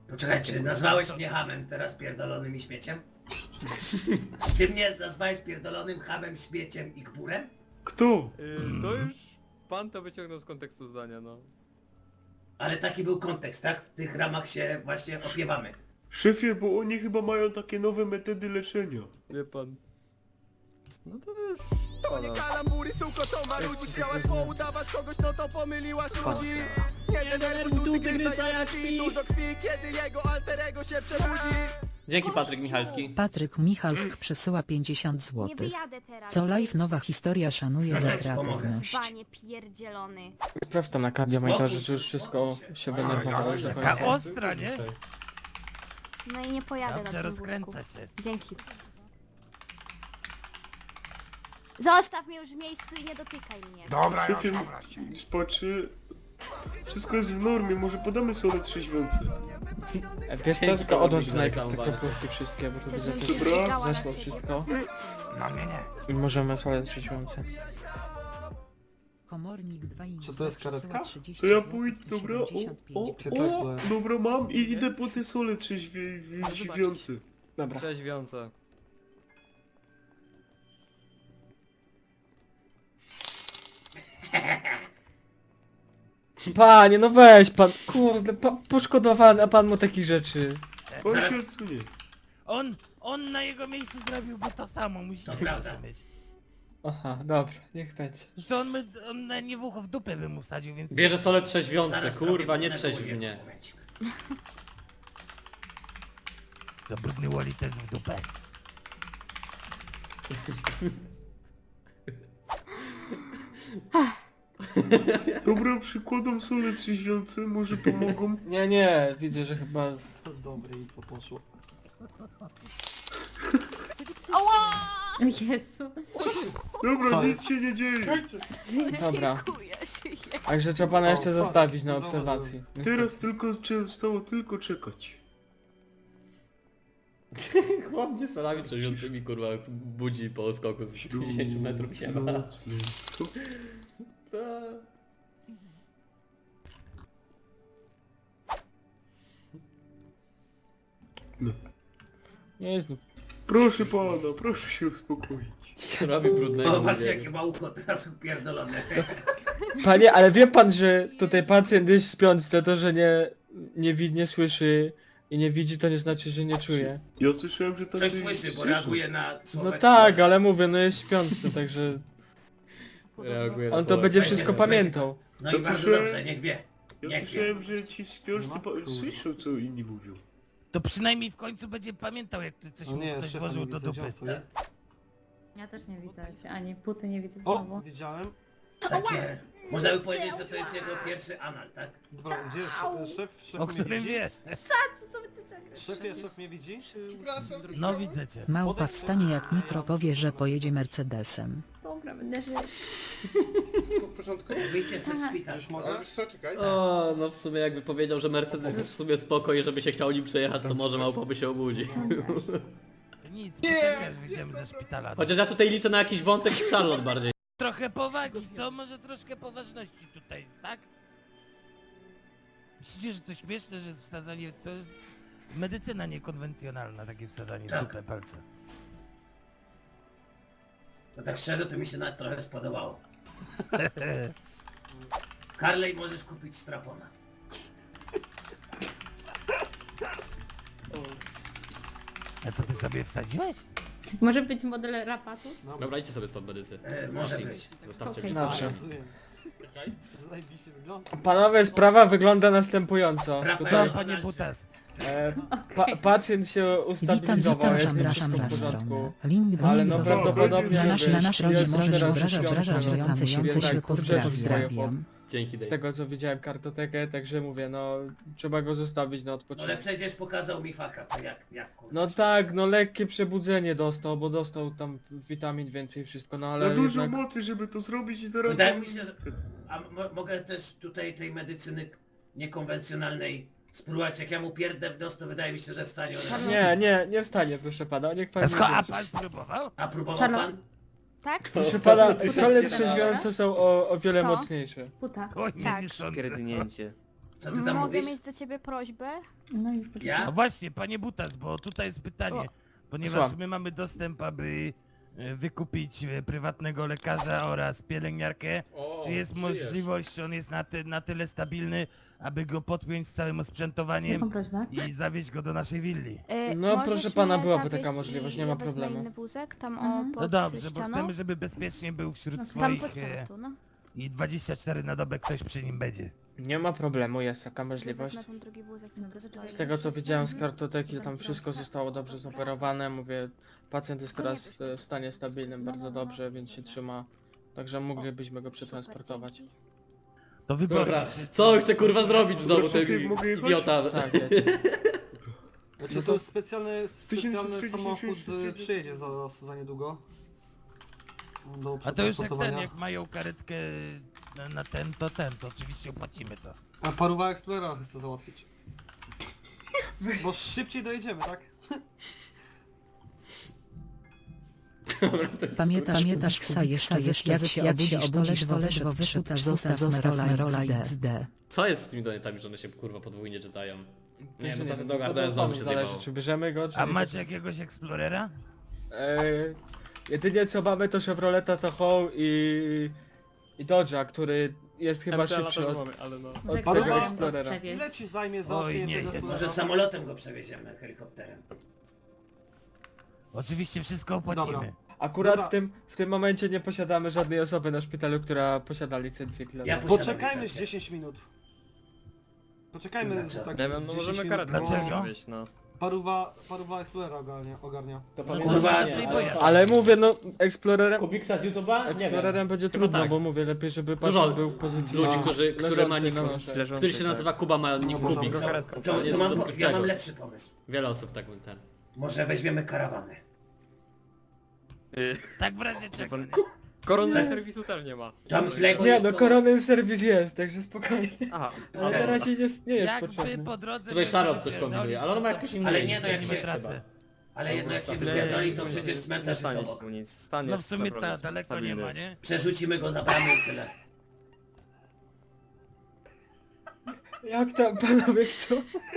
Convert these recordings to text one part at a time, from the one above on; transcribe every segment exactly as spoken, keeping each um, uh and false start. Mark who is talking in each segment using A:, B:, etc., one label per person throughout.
A: Poczekaj, czy nazwałeś mnie hamem teraz pierdolonym i śmieciem? Czy ty mnie nazwałeś pierdolonym hamem, śmieciem i kburem?
B: Kto?
C: Yy, to już pan to wyciągnął z kontekstu zdania, no.
A: Ale taki był kontekst, tak? W tych ramach się właśnie opiewamy.
B: Szefie, bo oni chyba mają takie nowe metody leczenia.
C: Wie pan. No to już...
D: To nie kalambury, suko, to ma ludzi. Chciałaś poudawać kogoś, no to pomyliłaś ludzi. Nie denerwuj tu tygrysa jak śpi. Dużo krwi, kiedy jego alterego się przebudzi.
E: Dzięki Patryk Michalski.
F: Patryk Michalsk przesyła pięćdziesiąt
G: Nie
F: złotych.
G: wyjadę teraz.
F: Co live nowa historia szanuje za
A: Dobra, ci pomogę.
F: kreatywność.
G: Panie pierdzielony.
H: Sprawdź tam na kardiomonitorze, czy już wszystko się wynerwowało już do
I: Taka
H: końca.
I: ostra, nie?
G: No i nie pojadę
I: Dobrze,
G: na tym wózku.
I: rozkręca się.
G: Dzięki. Zostaw mnie już w miejscu i nie dotykaj mnie.
I: Dobra, już,
B: Szefie,
I: dobra się.
B: spaczy... Wszystko jest w normie, może podamy solę trzeźwiący.
H: E, Wiesz co,
E: Dzięki
H: tylko
E: panu
H: odłącz
E: za
H: najpierw te
E: reklamowanie.
H: kopówki wszystkie, bo tu
G: Chcesz,
H: widzę,
G: żebym
H: że
G: się
B: Dobra,
G: zbiegała na
H: zeszło
G: ciebie?
H: wszystko.
I: No nie, nie.
H: I możemy solę trzeźwiące.
F: Komornik dwa i
J: Co to jest karetka?
B: To ja pójdę, dobra? O, o,
J: Czy
B: o,
J: tak,
B: dobra mam i idę po te sole trzeźwiące.
H: Dobra.
C: Trzeźwiąca.
H: Panie, no weź pan, kurde, pa, poszkodowany, a pan mu takich rzeczy.
B: On
A: Zaraz-
B: się odsunie.
I: On, on na jego miejscu zrobiłby to samo, musicie
A: To prawda.
I: rozumieć.
H: Aha, dobra, niech będzie.
I: Zresztą on, by, on na nie w ucho w dupę by mu wsadził, więc...
E: Bierze solę trzeźwiące,
A: Zaraz
E: kurwa,
A: robię
E: nie trzeźw
A: pewnego
E: mnie.
A: momencik.
I: Co brudny Wally też w dupę.
B: Dobra, przykładam solę trzeźwiące, może pomogą.
H: Nie, nie, widzę, że chyba...
J: To dobre i to poszło.
G: Oła!
K: Jezu.
B: Dobra,
J: Co
B: nic
J: jest?
B: się nie dzieje.
H: Dobra.
G: Dziękuję, żyję.
H: Także trzeba pana
J: O,
H: jeszcze
J: fuck.
H: zostawić na
J: Znowu
H: obserwacji.
B: Teraz tylko trzeba zostało tylko czekać.
E: Chłop mnie solami trzeźwiącymi, kurwa, budzi po skoku z pięćdziesięciu metrów siema.
B: Nocny. Co? No.
H: Nie znów.
B: Proszę pana, proszę się uspokoić.
E: Robi brudnego.
A: O, patrzcie
E: mówię.
A: jakie ma ucho teraz upierdolone.
H: Panie, ale wie pan, że tutaj pacjent jest śpiący, to to, że nie, nie widzi, nie słyszy i nie widzi, to nie znaczy, że nie czuje.
B: Ja słyszałem, że tacy...
A: Coś słyszy, bo reaguje na słowa.
H: No tak, ale mówię, no jest śpiący, także
E: Reaguje na
H: on to
E: słowa.
H: będzie
A: Będzie,
H: wszystko
A: będzie.
H: pamiętał.
A: No
B: To
A: i bardzo
B: słyszę-
A: dobrze, niech wie.
B: Ja
A: Niech wie.
B: słyszałem, że ci śpiący
J: Nie ma?
B: pa-
J: Kurde.
B: słyszą, co inni mówią.
I: To przynajmniej w końcu będzie pamiętał, jak ty coś
J: No
I: mu
J: nie,
I: ktoś
J: szefa
I: włożył
J: nie
I: do
J: widzę, gdzie
I: dupy.
J: on stoi.
K: Ja też nie widzę się, ani puty nie widzę
J: O,
K: znowu.
J: widziałem.
A: Takie... Można by powiedzieć, że to jest jego pierwszy anal, tak?
J: Dobra, gdzie jest szef? Szef, szef
I: O
J: mnie
I: którym
J: widzi?
I: wie.
K: Co sobie ty zagrasz?
J: Szefie, szef mnie widzi?
I: No widzę cię.
F: Małpa wstanie jak Nitro powie, że pojedzie Mercedesem.
K: Dobra, będę żyć.
A: Wyjdźcie przed szpital.
J: Już mogę?
E: O, no w sumie jakby powiedział, że Mercedes jest w sumie spoko i żeby się chciał nim przejechać, to może małpa by się obudził.
I: To nic, poczekasz, wyjdziemy ze szpitala.
E: Chociaż ja tutaj liczę na jakiś wątek z Charlotte bardziej.
I: Trochę powagi, co? Może troszkę poważności tutaj, tak? Myślicie, że to śmieszne, że jest wsadzanie... To jest medycyna niekonwencjonalna, takie wsadzanie w
A: Tak.
I: dupę palca.
A: No tak szczerze, to mi się nawet trochę spodobało. Harley, możesz kupić strapona.
I: A co ty sobie wsadziłeś?
K: Może być model Rapatus?
E: Dobra, idźcie sobie stąd medycy.
A: E, może być.
E: Zostawcie
K: Okej.
E: mnie.
H: Dobrze.
J: Zajebiście wygląda.
H: Panowie, sprawa wygląda następująco.
A: Rafael.
H: To
I: Co,
H: co?
I: panie Butas?
H: E, pa, pacjent się
F: Witam,
H: ustabilizował,
F: zapraszam,
H: jest
F: zapraszam
H: wszystko
F: na
H: w porządku.
F: stronę. Link do
H: Ale no
F: do
H: prawdopodobnie
F: Na nasz, na nasz
H: jest
F: rodzic możesz
H: teraz
F: obrażać,
H: śpiący,
F: obrażać,
H: no.
F: rejące się,
H: Więc tak,
F: się
H: kurczę,
F: pozdrawiam.
E: Dzięki,
H: Z
E: Dave.
H: tego co widziałem kartotekę, także mówię, no trzeba go zostawić na
A: No ale
H: odpoczynek.
A: przecież pokazał mi faka, to jak, jak kurwa.
H: No tak, no lekkie przebudzenie dostał, bo dostał tam witamin więcej wszystko, no ale
B: Ale dużo
H: jednak...
B: mocy, żeby to zrobić i teraz...
A: Wydaje mi się, że... A mo mogę też tutaj tej medycyny niekonwencjonalnej spróbować, jak ja mu pierdę w nos, to wydaje mi się, że wstanie od razu.
H: Nie, nie, nie wstanie, proszę pana, niech pan...
I: Sko, a
H: nie
I: pan próbował?
A: A próbował
K: Czarno-
A: pan?
G: Tak?
H: Proszę pana,
E: Ty
H: sole
K: się
H: trzeźwiące są o, o wiele
G: To?
H: mocniejsze.
K: Puta.
I: Oj, nie,
G: Tak.
I: nie sądzę.
C: Pierdnięcie.
A: Co ty tam
G: Mogę
A: mówisz?
G: mieć do ciebie prośbę?
K: No i poczekaj.
A: Ja?
I: No właśnie, panie Butas, bo tutaj jest pytanie.
G: O.
I: Ponieważ
H: Słucham.
I: my mamy dostęp, aby e, wykupić e, prywatnego lekarza oraz pielęgniarkę.
E: O,
I: Czy jest
E: żyjesz.
I: możliwość, czy on jest na, ty, na tyle stabilny, aby go podpiąć z całym osprzętowaniem
K: Jaką prośbę?
I: i zawieźć go do naszej willi?
G: Y,
H: No,
G: możesz
H: proszę pana,
G: mnie
H: byłaby
G: zawieźć
H: taka możliwość,
G: i
H: nie ma
G: ja wezmę
H: problemu.
G: inny wózek tam
K: Mhm.
G: o pod
I: No dobrze, bo
G: ścianą.
I: chcemy, żeby bezpiecznie był wśród
K: No,
G: Tam
I: swoich
G: pod ścianą
I: e,
G: tu, no.
I: i dwadzieścia cztery na dobę ktoś przy nim będzie.
H: Nie ma problemu, jest taka
G: Sobie
H: możliwość.
G: wezmę ten drugi wózek, co
K: No
G: tu
K: to
G: stoi.
K: czekaj.
H: Z tego co widziałem z
G: Mhm.
H: kartoteki, tam wszystko zostało dobrze zoperowane. Mówię, pacjent jest teraz e, w stanie stabilnym bardzo dobrze, więc się trzyma. Także moglibyśmy go przetransportować.
G: Super, dzięki.
I: To wybornie.
E: Dobra, co on chce kurwa zrobić znowu ten
B: Mogę- mogę jechać?
E: idiota?
H: Tak, jest.
J: Znaczy to jest specjalny,
B: tysięcy
J: specjalny
B: trzydzieści
J: samochód
B: sześć
J: y, przyjedzie za, za niedługo. Do
I: A to już jak ten,
J: przetransportowania.
I: jak mają karetkę na, na ten, to ten, to oczywiście opłacimy to.
J: A paruwa Explorera chce załatwić. Bo szybciej dojedziemy, tak?
F: Pamiętasz, pamiętasz Ksa jeszcze jak się jak się obudzisz to ledwo wyszuta zostaw zostaw Merola X D.
E: Co jest z tymi donatami, że one się kurwa podwójnie czytają? Nie, bo za ten
H: to
E: dogar
H: to
E: to znowu
H: panu
E: się
H: zależy,
E: zjebało.
H: czy bierzemy go, czy
I: A
H: nie.
I: macie jakiegoś Explorera?
H: E, jedynie co mamy to Chevroleta Tahoe i... i Dodge'a, który jest chyba szybszy od...
B: ale no.
K: No
H: Od
K: tak
J: tego
K: samo
H: Explorera.
K: przewieźć.
J: Ile ci zajmie
I: Oj,
J: załatwienie
I: nie,
J: tego
I: jest.
A: Może
J: Explorera?
A: samolotem go przewieziemy, helikopterem.
I: Oczywiście wszystko opłacimy.
J: Dobra.
H: Akurat
J: Dobra.
H: w tym, w tym momencie nie posiadamy żadnej osoby na szpitalu, która posiada licencję pilota.
A: Ja posiadam
J: Poczekajmy z
A: licencję.
J: dziesięć minut. Poczekajmy z
A: Dlaczego?
J: tak
C: Nie
J: z
C: wiem, no
J: dziesięć
C: możemy
J: minut,
C: karetkę
J: bo
I: Dlaczego?
C: wieźć, no.
J: Paruwa, paruwa Explorera ogarnia. ogarnia.
E: To
I: No,
A: Kurwa,
E: nie,
A: no
E: ale-
H: Ale mówię, no, Explorerem...
E: Kubiksa z YouTube'a? Nie wiem.
H: Explorerem będzie
E: Chyba
H: trudno,
E: tak.
H: bo mówię, lepiej żeby
E: Dużo
H: pacjent był w pozycji
E: ludzi,
H: na-
E: którzy, który ma
H: leżący
E: nick,
H: na nosze.
C: Leżący,
E: który się
C: tak.
E: nazywa Kuba, ma nick
J: No,
E: Kubik.
J: dobra.
A: To, to,
E: jest
A: to mam,
E: coś
A: po- ja
E: odkrywczego.
A: mam lepszy pomysł.
E: Wiele osób tak ten.
A: Może weźmiemy karawanę.
C: Y,
I: Tak w razie czego. nie?
C: Korony serwisu też nie ma.
A: Tam chleb
H: Nie,
A: jest
H: no
A: koło-
H: koronny serwis jest, także spokojnie.
C: Aha.
H: Ale na razie nie, nie jest
I: Jakby
H: potrzebny.
I: po drodze...
E: Tutaj
I: nie
E: Szarot coś
I: wypierdolić,
E: kombinuje, ale on ma
I: to
E: jakiś inny
A: Ale nie, no jak
I: zmienimy
A: się-
I: trasę.
A: Ale jednak jak się
C: Ale
A: wypierdoli, to
C: nie-
A: przecież
C: nie
A: cmentarz jest
C: stanie się
A: obok.
C: mu nic. Stan
I: No w
C: jest
I: sumie ta,
C: naprawdę
I: daleko nie
C: stabilny.
I: ma, nie?
A: Przerzucimy go za bramę i tyle.
H: Jak tam panowie chcą?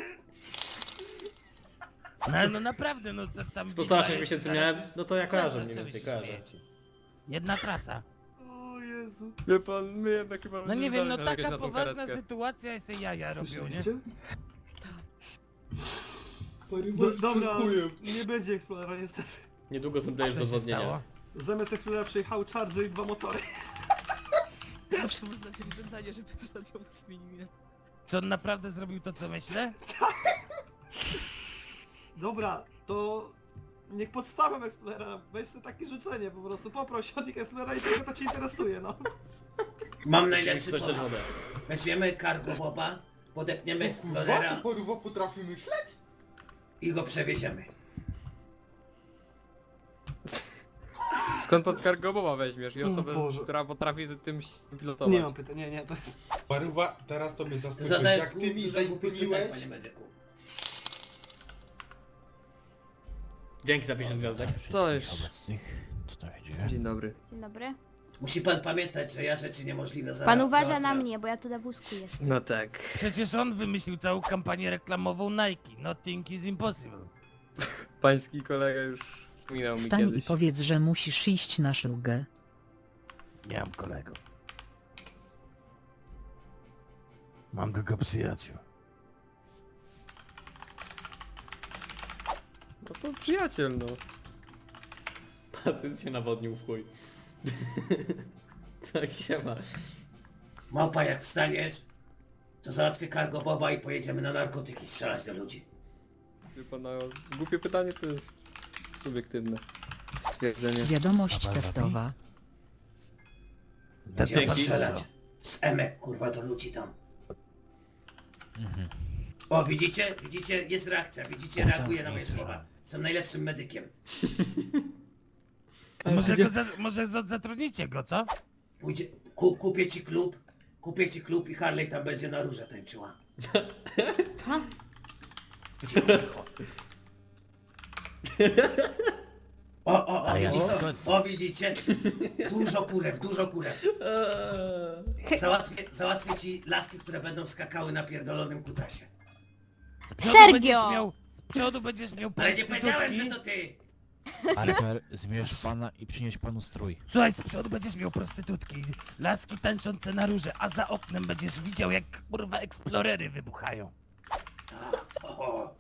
I: No, no naprawdę, no to tam...
E: Z półtora
I: widać,
E: sześć miesięcy
I: zaraz-
E: miałem, no to ja kojarzę
I: Dobra,
E: mniej
I: co wy
E: więcej,
I: się
E: kojarzę.
I: śmiejecie? Jedna trasa.
J: O Jezu.
C: Wie pan, my jednak chyba...
I: No nie wiem, no
C: zdamy jakieś
I: taka
C: na tą
I: poważna
C: karetkę.
I: sytuacja i se jaja robią, nie?
J: Słyszeliście? Do, dobra, nie będzie Explorera niestety.
E: Niedługo zemdlejesz z
I: Co się
E: odwodnienia.
I: stało?
J: Zamiast Explorera przyjechały Charger i dwa motory.
L: Zawsze można wziąć żądanie, żeby z radiowo zmienił.
I: Czy on naprawdę zrobił to, co myślę?
J: Dobra, to niech podstawiam Explorera, weź sobie takie życzenie po prostu, poproś od nich Explorera i tego to cię interesuje, no.
A: Mam najlepszy
E: Coś dać
A: pomysł.
E: wodę.
A: Weźmiemy cargo boba, podepniemy Explorera
B: Paruwa potrafi myśleć?
A: i go przewieziemy.
C: Skąd pod Cargobowa weźmiesz i
J: O
C: osobę,
J: Boże.
C: która potrafi tym pilotować?
J: Nie mam pytań, nie, nie, to jest...
B: Paruwa, teraz to mnie
A: To
B: zaskoczysz.
A: zadajesz
B: Jak ty mi
A: dużo głupich pytań,
B: zaimponujesz,
A: panie medyku.
E: Dzięki za pięćdziesiąt gwiazdek.
C: To już...
I: Obecnych, co tam się
C: Dzień dobry.
G: Dzień dobry.
A: Musi pan pamiętać, że ja rzeczy niemożliwe za
G: Pan uważa na
A: załatwiam.
G: mnie, bo ja tu na wózku jestem.
C: No tak.
I: Przecież on wymyślił całą kampanię reklamową Nike. Nothing is impossible.
C: Pański kolega już wspominał mi
F: Wstań i
C: kiedyś.
F: powiedz, że musisz iść na szlugę.
I: Nie mam kolego. Mam tylko przyjaciół.
C: No to przyjaciel, no.
E: Pacjent się nawodnił w chuj. Tak się ma.
A: Małpa, jak wstaniesz, to załatwię cargo boba i pojedziemy na narkotyki strzelać do ludzi.
C: Wie pana, głupie pytanie to jest subiektywne stwierdzenie.
F: Wiadomość testowa.
A: Będziemy
E: Dzięki.
A: strzelać z emek, kurwa, do ludzi tam. O, widzicie? Widzicie? Jest reakcja. Widzicie? Reaguje na moje słowa. Jestem najlepszym medykiem.
I: To może, go za, może za, zatrudnicie go, co?
A: Pójdzie, ku, kupię ci klub, kupię ci klub i Harley tam będzie na róże tańczyła.
K: Co?
E: 啊
A: Cicho. O, o, o,
I: A ja
A: widzicie,
I: skąd?
A: o, widzicie? Dużo kurew, dużo kurew.
E: Eee.
A: Załatwię, załatwię ci laski, które będą skakały na pierdolonym kutasie.
I: Z przodu
G: Sergio!
I: będziesz miał, z przodu będziesz miał
A: Ale nie powiedziałem,
I: prostytutki.
A: że to ty!
M: Archer, zmierz pana i przynieś panu strój.
I: Słuchaj, z przodu będziesz miał prostytutki, laski tańczące na róże, a za oknem będziesz widział, jak kurwa eksplorery wybuchają.
A: O, o.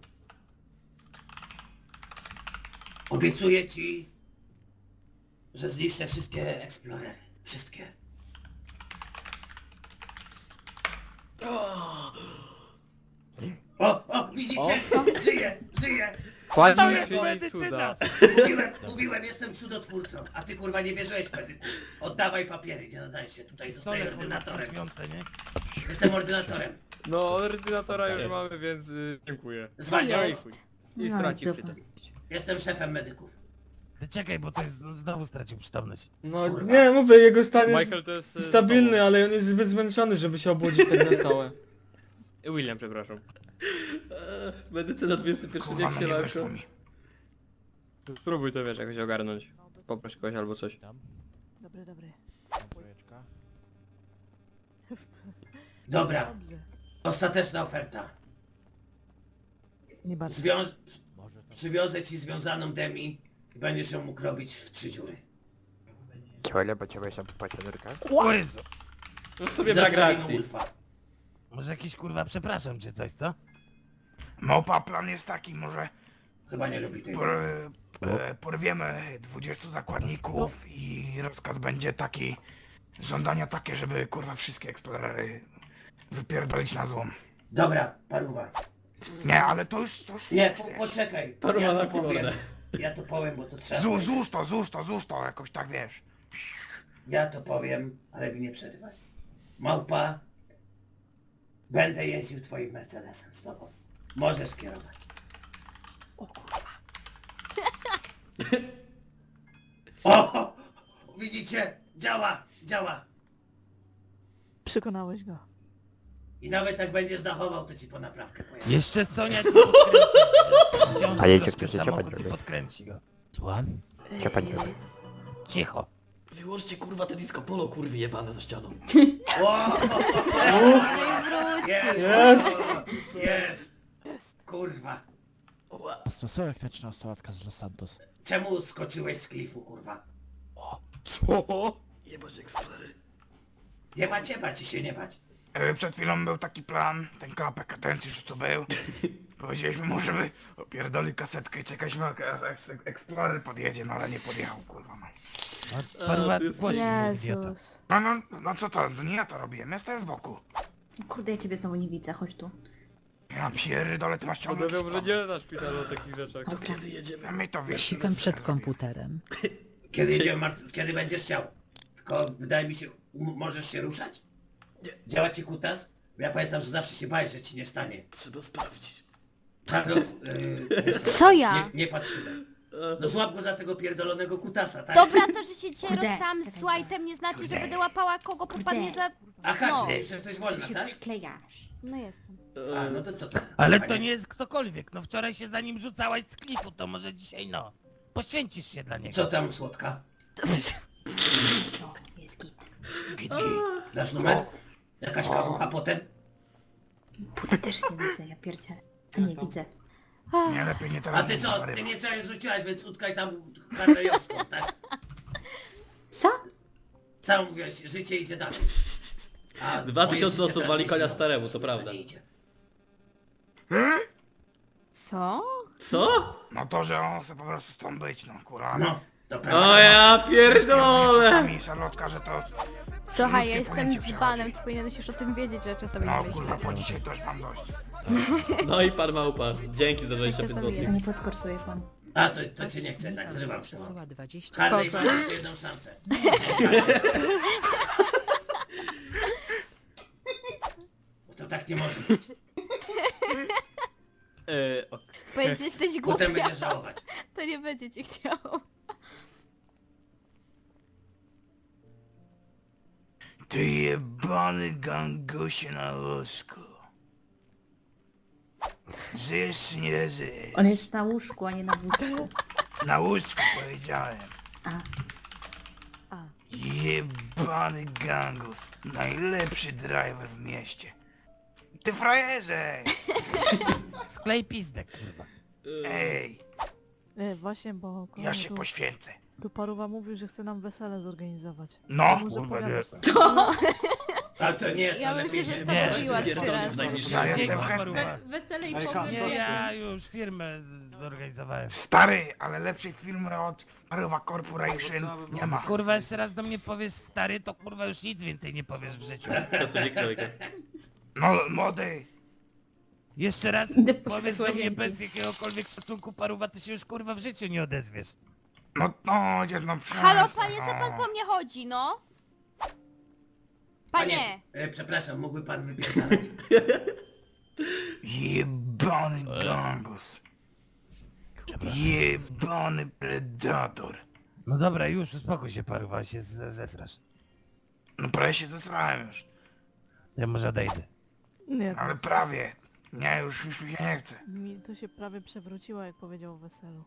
A: Obiecuję ci, że zniszczę wszystkie eksplorery. Wszystkie. O, o, widzicie? Żyję, żyję!
C: Kładź
I: To
C: mi
I: jest
C: czyni
I: medycyna!
C: cuda.
A: Mówiłem, mówiłem, jestem cudotwórcą, a ty kurwa nie wierzyłeś w medyku. Oddawaj papiery, nie nadaje się, tutaj zostaję
I: Stole kurwa
A: ordynatorem.
I: świąte, nie?
A: Jestem ordynatorem.
C: No, ordynatora już mamy, więc y, dziękuję.
A: Zwalniam.
C: No i chuj. I
K: No i
C: stracił
K: dupa.
C: przytomność.
A: Jestem szefem medyków.
I: Ty czekaj, bo to jest, znowu stracił przytomność.
H: No
A: Kurwa.
H: nie, mówię, jego stan jest
C: Michael to jest... y,
H: stabilny,
C: znowu-
H: ale on jest zbyt zmęczony, żeby się obudzić tak na stałe.
C: William, przepraszam.
E: Eee, Medycyna dwudziesty pierwszy
I: Kurwa,
E: wiek
I: no
E: się
I: nie
E: lako.
I: wyszło mi.
C: Spróbuj to, wiesz, jakoś ogarnąć. Poproś kogoś albo coś.
L: Dobry, dobry.
M: Trójeczka.
A: Dobra,
L: Dobrze.
A: ostateczna oferta.
L: Nie bardzo.
A: Zwiąż...
M: Może to...
A: Przywiozę ci związaną Demi i będziesz ją mógł robić w trzy dziury.
M: Ciole, bo ciebie się paciorka.
I: O Jezu!
E: No w sobie brak
A: Zastrzelimy
E: racji.
A: Ulfa.
I: Może jakiś kurwa przepraszam czy coś, co?
J: Małpa, plan jest taki, może
A: Chyba nie lubi tej.
J: por, e, porwiemy dwudziestu zakładników i rozkaz będzie taki, żądania takie, żeby kurwa wszystkie eksplorery wypierdolić na złom.
A: Dobra, paruwa.
J: Nie, ale to już, to już
A: Nie, po, poczekaj.
E: Paruwa
A: Ja
E: na
A: to powiem.
E: mordę.
A: Ja to powiem, bo to trzeba.
J: Złóż,
A: powiedzieć.
J: złóż to, złóż to, złóż to, jakoś tak wiesz.
A: Ja to powiem, ale mi nie przerywaj. Małpa, będę jeździł twoim Mercedesem z tobą. Możesz kierować. O kurwa. O! Widzicie? Działa, działa.
L: Przekonałeś go.
A: I nawet jak będziesz dachował, to ci po naprawkę pojadę.
I: Jeszcze Sonia cię podkręci. Wciąż
M: A jedzie
I: troszkę
M: ktoś, cię
I: samochód i
M: podrobi.
I: podkręci go. Słucham?
M: Cię pani robi.
I: Cicho.
E: Wyłączcie kurwa te disco polo kurwy jebane za ścianą.
A: O!
G: Nie wróć.
A: Jest! Jest! Kurwa.
M: To są jak wieczna sałatka z Los Santos.
A: Czemu skoczyłeś z klifu, kurwa?
E: Co? Jebać eksplorery.
A: Nie bać, nie bać, ci się nie bać.
J: E, Przed chwilą był taki plan, ten klapek atencji już tu był. Powiedzieliśmy mu, żeby opierdoli kasetkę i czekaliśmy, jak eks- eks- Explorer podjedzie, no ale nie podjechał, kurwa no.
I: No, Paruwa,
E: to jest-
I: głośniej mów, idiota.
G: Jezus.
J: No, no, no co to, no nie ja to robiłem, ja stoję z boku.
K: Kurde, ja ciebie znowu nie widzę, chodź tu.
J: Ja pierdolę, ty masz ciągnąć
C: Mówią, że
J: spod.
C: nie na szpitalu o takich rzeczach.
E: To kiedy jedziemy?
J: A my to wiesz.
F: Sikam przed komputerem.
A: Kiedy idziemy, Mart- kiedy będziesz chciał. Tylko wydaje mi się, m- możesz się ruszać? Działa ci kutas? Bo ja pamiętam, że zawsze się bałeś, że ci nie stanie.
E: Trzeba sprawdzić.
A: Charlotte, yy, wiesz
G: Co ja?
A: Nie, nie patrzyłem. No złap go za tego pierdolonego kutasa, tak?
G: Dobra, to, że się dzisiaj
K: Kurde.
G: rozstałam z White'em nie znaczy, że będę łapała kogo popadnie za...
A: Aha,
G: No.
A: czyli przecież jesteś wolna,
K: Się
A: tak?
K: przyklejasz.
G: No jestem.
A: A, no to co to?
I: Ale
A: Panie?
I: to nie jest ktokolwiek, no wczoraj się za nim rzucałaś z klifu, to może dzisiaj no. Poświęcisz się dla niego.
A: Co tam, słodka?
K: To jest git.
J: Git, git.
A: Dasz numer? Jakaś kawucha potem?
K: Puty też nie widzę, ja pierdzielę. A nie widzę.
J: Nie, lepiej nie
A: A
J: teraz.
A: ty
J: nie
A: co?
J: zarywa.
A: Ty mnie wczoraj zrzuciłaś, więc utkaj tam karlejowską, tak?
K: Co?
A: Co mówiłeś? Życie idzie dalej. A
E: Dwa
A: moje
E: tysiące
A: życie
E: osób
A: teraz
E: wali
A: idzie
E: konia
A: dalej.
E: staremu, to prawda.
A: nie idzie.
G: Co?
E: Co?
J: No to, że on chce po prostu stąd być, no kurwa.
A: No, to prawda.
E: O ja pierdolę!
J: Czasami Charlotka, że to...
G: Słuchaj, ja
J: ludzkie
G: jestem
J: pojęcie
G: dzbanem,
J: przechodzi.
G: ty powinieneś już o tym wiedzieć, że czasami
J: No
G: nie
J: kurwa,
G: myślę.
J: po dzisiaj też mam dość.
E: No i pan małpa. Dzięki za dwadzieścia pięć
G: Czasami
E: złotych.
K: To nie podskorsuje pan.
A: A, to, to cię nie chcę, tak zrywam się.
F: Przesyła dwadzieścia.
A: Harley,
G: Spoko.
A: masz jeszcze jedną szansę. Bo to tak nie może być.
E: Eee, ok.
G: Powiedz, że jesteś
A: Potem
G: głupia,
A: będziesz żałować.
G: to nie będzie cię chciał.
J: Ty jebany gangusie na łóżku. Żyjesz czy nie żyjesz?
K: On jest na łóżku, a nie na wózku.
J: Na łóżku powiedziałem.
K: A.
L: A.
J: Jebany gangus. Najlepszy driver w mieście. Ty frajerze!
I: Sklej pizdę, kurwa.
J: Ej,
L: E, właśnie, bo
J: ja
L: kolega
J: się
L: tu,
J: poświęcę.
L: tu Paruwa mówił, że chce nam wesele zorganizować.
J: No,
L: To może
J: kurwa,
L: pogadasz
J: nie.
L: z nim.
A: A to nie, to
G: Ja bym
A: lepiej
G: się
A: się
G: zestawiła
A: nie,
G: trzy razy.
J: Ja jestem
I: Dzięki,
J: chętny.
I: Paruwa.
K: Wesele i
H: Ej,
K: pogrzeb.
I: Nie, ja już firmę z- zorganizowałem.
J: Stary, ale lepszej firmy od Paruwa Corporation nie ma.
I: Kurwa, jeszcze raz do mnie powiesz stary, to kurwa już nic więcej nie powiesz w życiu.
J: No, młody.
I: Jeszcze raz
K: Idę po
I: powiesz do mnie
K: łazienki.
I: bez jakiegokolwiek szacunku, Paruwa, ty się już kurwa w życiu nie odezwiesz.
J: No, no, dzień, no przestań,
G: Halo panie, co
J: no.
G: pan po mnie chodzi, no? Panie!
A: E, przepraszam, mógłby pan wypierdalać?
J: Jebany gangus. Jebany predator.
I: No dobra, już uspokój się, Paruwa, się z- zesrasz.
J: No prawie się zesrałem już.
I: Ja może odejdę.
L: Nie,
J: Ale prawie. Nie, już, już mi się nie chce.
L: mi to się prawie przewróciło, jak powiedział o weselu.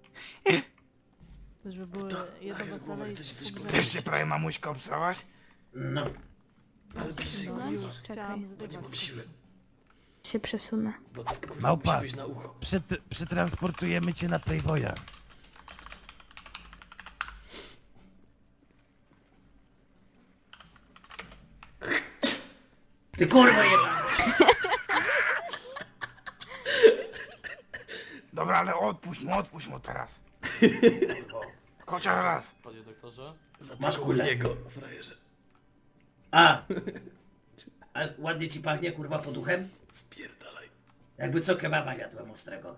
L: To żeby były jedno wesele i pogrzeb.
J: Też się prawie mamuśka obsałaś?
A: No.
L: No, już
G: Czekaj.
L: chciałam zrywać.
G: Się przesunę.
I: Małpa, przet, przetransportujemy cię na Playboya.
A: Ty kurwa jebana!
J: Dobra, ale odpuść mu, odpuść mu teraz. Chociaż raz.
E: Panie doktorze?
A: Masz kulę. A! A ładnie ci pachnie kurwa poduchem? Spierdalaj. Jakby co kebaba jadłem ostrego.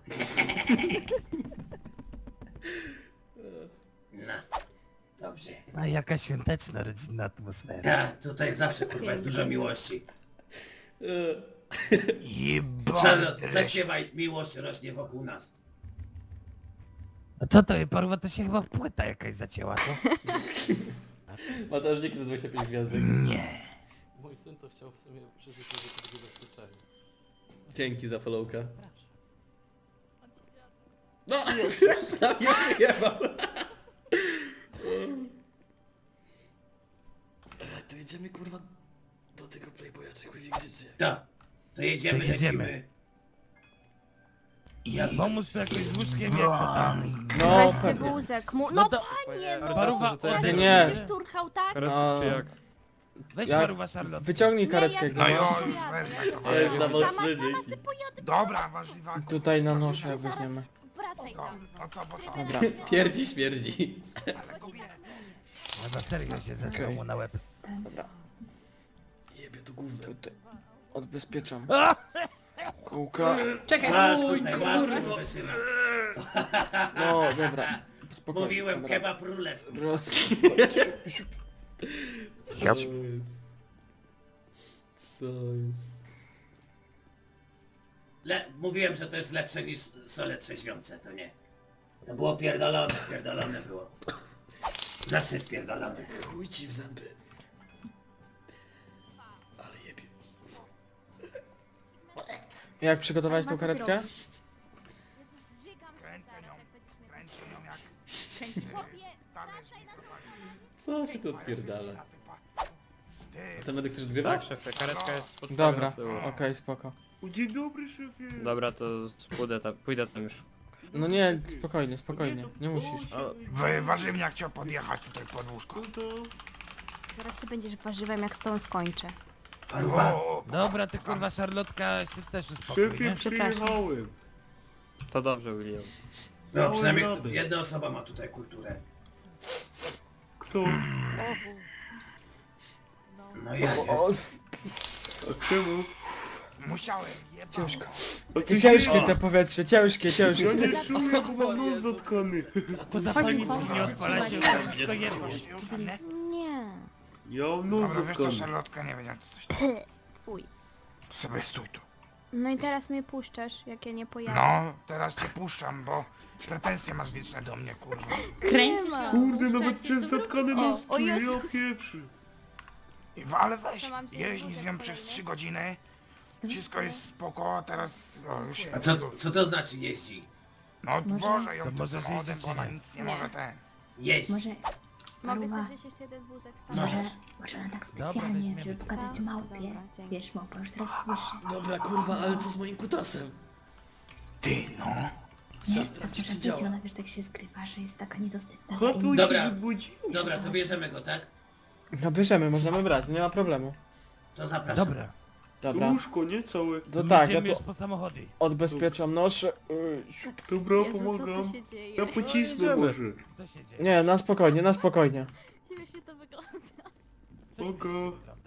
A: No. Dobrze.
I: A jaka świąteczna, rodzinna atmosfera.
A: Tak, tutaj zawsze kurwa jest dużo miłości.
J: Jebany
A: Charlotte,
J: dreś.
A: zaśpiewaj, miłość rośnie wokół nas.
I: A co to, Paruwa, to się chyba płyta jakaś zacięła, co?
E: Mateusz, dzięki za dwadzieścia pięć gwiazdek.
J: Nie.
E: Mój syn to chciał w sumie przeżyć tego zabezpieczenia. Dzięki za followka. No! Prawie wyjebał. To jedziemy kurwa do tego Playboya czy chuj wie gdzie czy jak?
A: Tak. To jedziemy,
I: To jedziemy.
A: lecimy.
J: I
I: Ja pomóż tu jakoś z łóżkiem, jak to tam.
H: No,
G: Weź sobie
H: pewnie.
G: wózek mu...
I: No
G: No
I: to-
G: panie, no!
I: Paruwa,
G: Pan
I: odejdź.
H: Nie.
G: będziesz turchał, tak?
H: No,
I: Weź
H: Ja-
I: Paruwa, Charlotte.
H: wyciągnij
G: Nie,
H: karetkę.
G: ja
H: jak
J: No
H: nie
J: jo,
H: ma.
J: już wezmę to.
E: To jest za
J: wezmę.
G: Sama,
E: mocny dzień.
G: sama sobie pojadę.
J: Dobra, warzywa.
H: Tutaj na nosze weźmiemy.
G: Wracaj
J: No,
G: tam.
J: no co, bo co?
H: Dobra.
E: Pierdzi śmierdzi.
J: Ale kobieta.
I: A za serio się zesrał
H: Okej.
I: mu na łeb.
E: Jebie to gówno.
H: Tutaj. Odbezpieczam. Kółka.
E: Czekaj,
A: Masz
E: stój,
A: tutaj,
E: kurwa.
A: masz kurwa syna.
H: No, dobra. Spokojnie.
A: Mówiłem,
H: dobra.
A: kebab rules.
H: Roz...
J: Ja...
E: Co jest? Co jest?
A: Le mówiłem, że to jest lepsze niż sole trzeźwiące, to nie. To było pierdolone, pierdolone było. Zawsze jest pierdolone.
E: Chuj ci w zęby. Ale jebie.
H: Jak przygotowałeś tą karetkę?
G: Zżygam się
J: Kręcę
G: zaraz,
J: nią.
G: jak będziesz mnie...
J: Kręcę ją jak...
G: Chłopie,
J: Talerz
G: wracaj na
E: Co się tu odpierdala?
J: Ty,
E: A ten medyk chcesz odgrywać?
B: szefie, karetka jest pod
H: Dobra, okej, spoko.
B: Dzień dobry, szefie.
C: Dobra, to pójdę tam, pójdę tam już.
H: No nie, spokojnie, spokojnie. Nie musisz.
J: Wy, warzywniak chciał podjechać tutaj pod łóżko.
G: Zaraz ty będziesz warzywem, jak z tą skończę.
A: Paruwa,
J: O,
I: Dobra, ty kurwa, Charlotka, się też uspokój,
B: Szefie,
I: nie?
B: przyjechałem.
C: To dobrze, William.
A: no przynajmniej
B: radę.
A: tu- jedna osoba ma tutaj kulturę.
B: Kto?
A: No ja nie.
B: A czemu?
J: musiałem, jebał.
H: Ciężko.
B: A ty
H: Ciężkie te powietrze, ciężkie, ciężkie.
B: Ja nie czuję, bo mam nos zatkany.
I: Poza paniczki nie odpalacie, to wszystko jedno.
J: Już mam, nie?
G: Nie.
B: Ja mam nos
J: Dobra, wiesz co,
B: zatkany.
J: Charlotka, nie wiem, coś tam.
G: Fuj.
J: Sobie stój tu.
G: No i teraz mnie puszczasz, jak ja nie pojadę.
J: No, teraz cię puszczam, bo pretensje masz wieczne do mnie, kurwa.
K: Kręcisz
G: ma.
B: Kurde, nawet przez zatkany nos
G: O
B: czuję, ja
G: Jezus.
B: pieprzy.
J: I w- Ale weź,
G: To mam się
J: jeźdź z
G: wózek
J: nią przez
G: kolejny?
J: trzy godziny. Wszystko jest spoko, a teraz... O, już się...
A: A co, co to znaczy jeździ?
J: No
K: Może-
J: dworze ją
I: To
J: tu
I: możesz
J: samochodem,
I: jeździć,
J: bo ona
I: czy nie?
J: nic nie
K: Nie.
J: może ten.
A: Jeść.
K: Może...
G: Mogę
K: Paruwa.
G: sobie wziąć jeszcze jeden wózek.
K: Może,
A: Możesz.
K: może ona tak
I: Dobra,
K: specjalnie,
I: weźmiemy
K: żeby
I: cię.
K: pokazać
G: Dobra,
K: małpie.
G: dobra, dzięki.
K: Wiesz, małpa już teraz słyszy.
E: Dobra, kurwa, ale co z moim kutasem?
J: Ty no.
E: Trzeba
K: Nie,
E: sprawdzić,
K: może
E: czy
K: być,
E: działa.
K: ona wiesz, tak się skrywa, że jest taka niedostępna.
B: Chotuj
K: dla innych.
A: Dobra.
B: się wybudzi.
A: Dobra, to bierzemy go, tak?
H: No bierzemy, możemy brać, nie ma problemu.
A: To zapraszam.
I: Dobra,
H: Dobra.
B: Łóżko, nie całe.
H: To tak, ja
I: jedziemy już
H: to
I: po samochody.
H: odbezpieczam nóż. Yy, siup.
B: Dobra,
G: Jezu, co
B: pomagam.
G: tu się dzieje?
B: Ja pocisnę
H: jedziemy.
B: może.
I: Co się dzieje?
H: Nie, na spokojnie, na spokojnie.
G: Śmiesznie to wygląda.
I: Co się
B: Spoko.
I: dzieje?